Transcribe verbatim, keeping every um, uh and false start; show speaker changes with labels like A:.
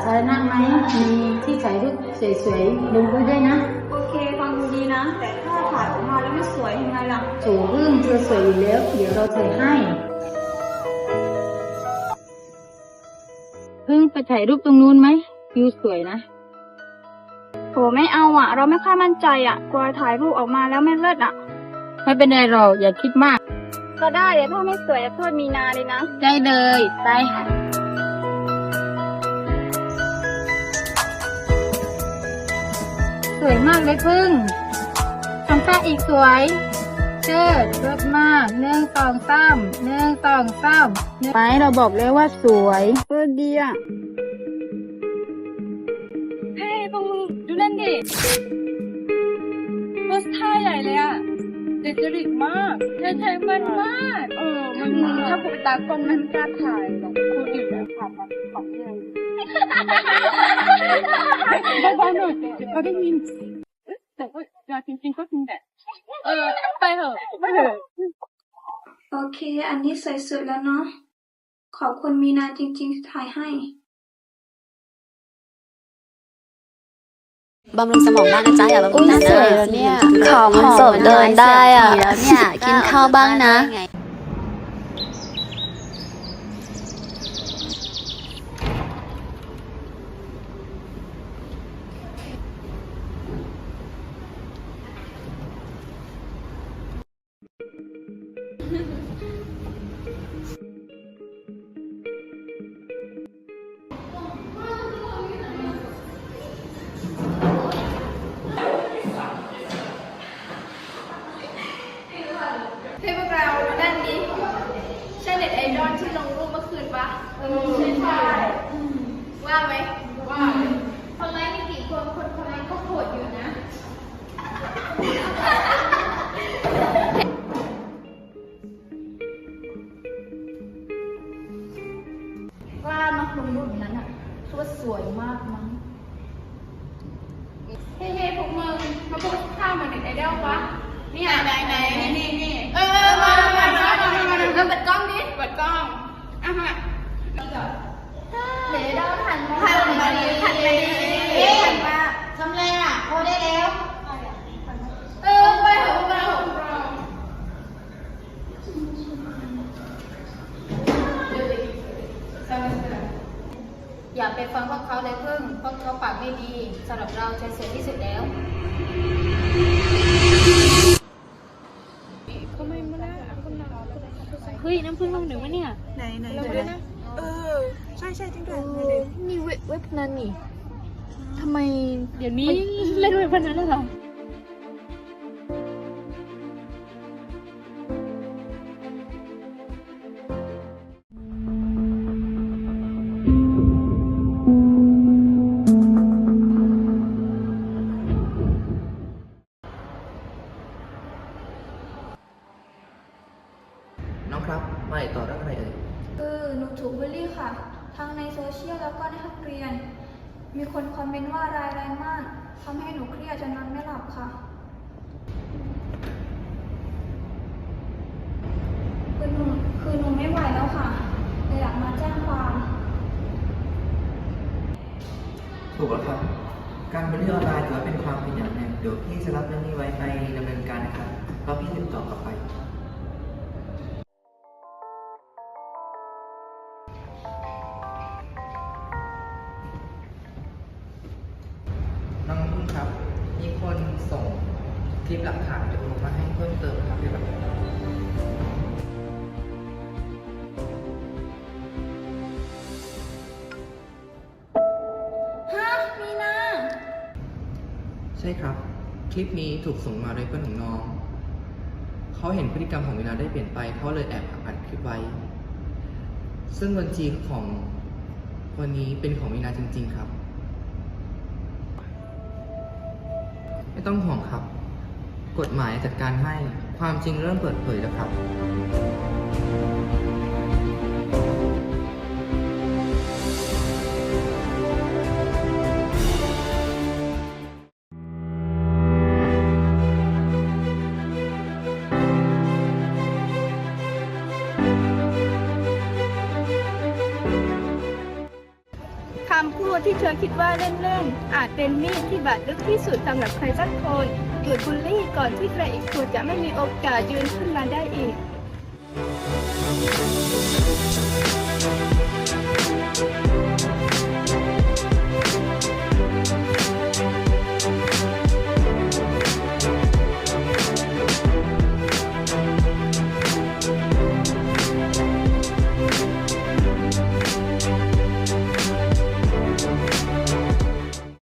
A: าธารณะไหมมีที่ถ่ายรูปสวยๆลงไว้ด้วยนะ
B: โอเคฟังดูดีนะแต่ถ้าถ่ายออกมาแล้วไม่สวยยังไงล่ะ
A: โถพึ่งเธอสวยอยู่แล้วเดี๋ยวเราถ่ายให้พึ่งไปถ่ายรูปตรงนู้นไหมวิวสวยนะ
B: โหไม่เอาอ่ะเราไม่ค่อยมั่นใจอ่ะกลัวถ่ายรูปออกมาแล้วไม่เลิศอ่ะ
A: ไม่เป็นไรหรอกอย่าคิดมาก
B: ก็ได้เดี๋ยวถ้าไม่สวยจะโทษมีนาเลยนะ
A: ได้เลยไปสวยมากเลยพึ่งทำท่าอีกสวยเชิดเลิศมากหนึ่งสองสามหนึ่งสองสามไปเราบอกแล้วว่าสวย
B: เออดีอ่ะเฮ้ยพวกมึงดูนั่นดิโพสท่าใหญ่เลยอ่ะเด็ดจริตมากใช่ใช่มันมากเออมันถ้าผมตากล้องมันกล้าถ่ายหรอกคนอื่นอะถ่ายมันของยังเบาๆหน่อยเดี๋ยวเขาได้ยินแต่ว่าจริงๆก็จริงแหละเออไปเถอะไปเถอะ
C: โอเคอันนี้สวยสุดแล้วเนาะขอบคุณมีนาจริงๆที่ถ่ายให้
D: บำรุงสมองบ้างนะจ๊ะอย่าบำรุงแต่หน้าเนี่ย
E: ขามันสดเดินได้อ่ะ
D: แล้วเนี่ยกินข้าวบ้างนะ
B: ให้พวกเรามาด้านนี้ใช่เน็ตไอดอลที่ลงรูปเมื่อคืนปะเออใช่ใช่ว่าไหมว่าคนไลค์มีกี่คนคนคนไลค์ก็โหดอยู่นะกล้ามาลงรูปอย่างนั้นอ่ะคือว่าสวยมากมั้งเฮ้ยพวกมึงมาพูดข้าวเหมือนเน็ตไอดอลปะนี่ไหนไหนนี่นี่นี่เออมามามามามามาเราเปิดกล้องดิเปิดกล้องอ่ะมาเดี๋ยวเราหันหันมาดิหันมาดิหันมาทำไรอ่ะโอ้ได้แล้วเออไปเถอะเรา
A: อย่าไปฟังพวกเขาเลยพึ่งพวกเขาปากไม่ดีสำหรับเราจะสวยที่สุดแล้วเฮ้ยน้ำพึ่งลงหนึ่งวะเนี่ย
B: ไหนไหนไหนเออใช่ใช่จริงด้วย
A: นี่เว็บพนันนี่ทำไมเดี๋ยวนี้เล่นเว็บพนันแล้วเหรอ
F: น้องครับมาติดต่อเรื่องอะไรเอ่ย
C: เออหนูถูกบูลลี่ค่ะทั้งในโซเชียลแล้วก็ในห้องเรียนมีคนคอมเมนต์ว่ารายแรงมากทำให้หนูเครียดจนนอนไม่หลับค่ะคือหนูคือหนูไม่ไหวแล้วค่ะเลยอยากมาแจ้งความ
F: ถูกแล้วครับการบูลลี่ออนไลน์ถือว่าเป็นความผิดอย่างหนึ่งเดี๋ยวพี่จะรับเรื่องนี้ไว้ไปดำเนินการนะครับแล้วพี่ติดต่อกลับไปน้องพึ่งครับมีคนส่งคลิปหลักฐานจากลงมาให้เพิ่มเติมครับเกี่ยวกับ
C: ฮะมีนา
F: ใช่ครับคลิปนี้ถูกส่งมาโดยเพื่อนของน้องเขาเห็นพฤติกรรมของมีนาได้เปลี่ยนไปเขาเลยแอบอัดคลิปไว้ซึ่งบัญชีของวันนี้เป็นของมีนาจริงๆครับไม่ต้องห่วงครับกฎหมายจัดการให้ความจริงเริ่มเปิดเผยแล้วครับ
B: คำพูดที่เธ
C: คิดว่าเล่นๆ อาจเป็นมีดที่บาดลึกที่สุดสำหรับใครสักคนหยุดบูลลี่ก่อนที่ใครอีกคนจะไม่มีโอกาสยืนขึ้นมาได้อีก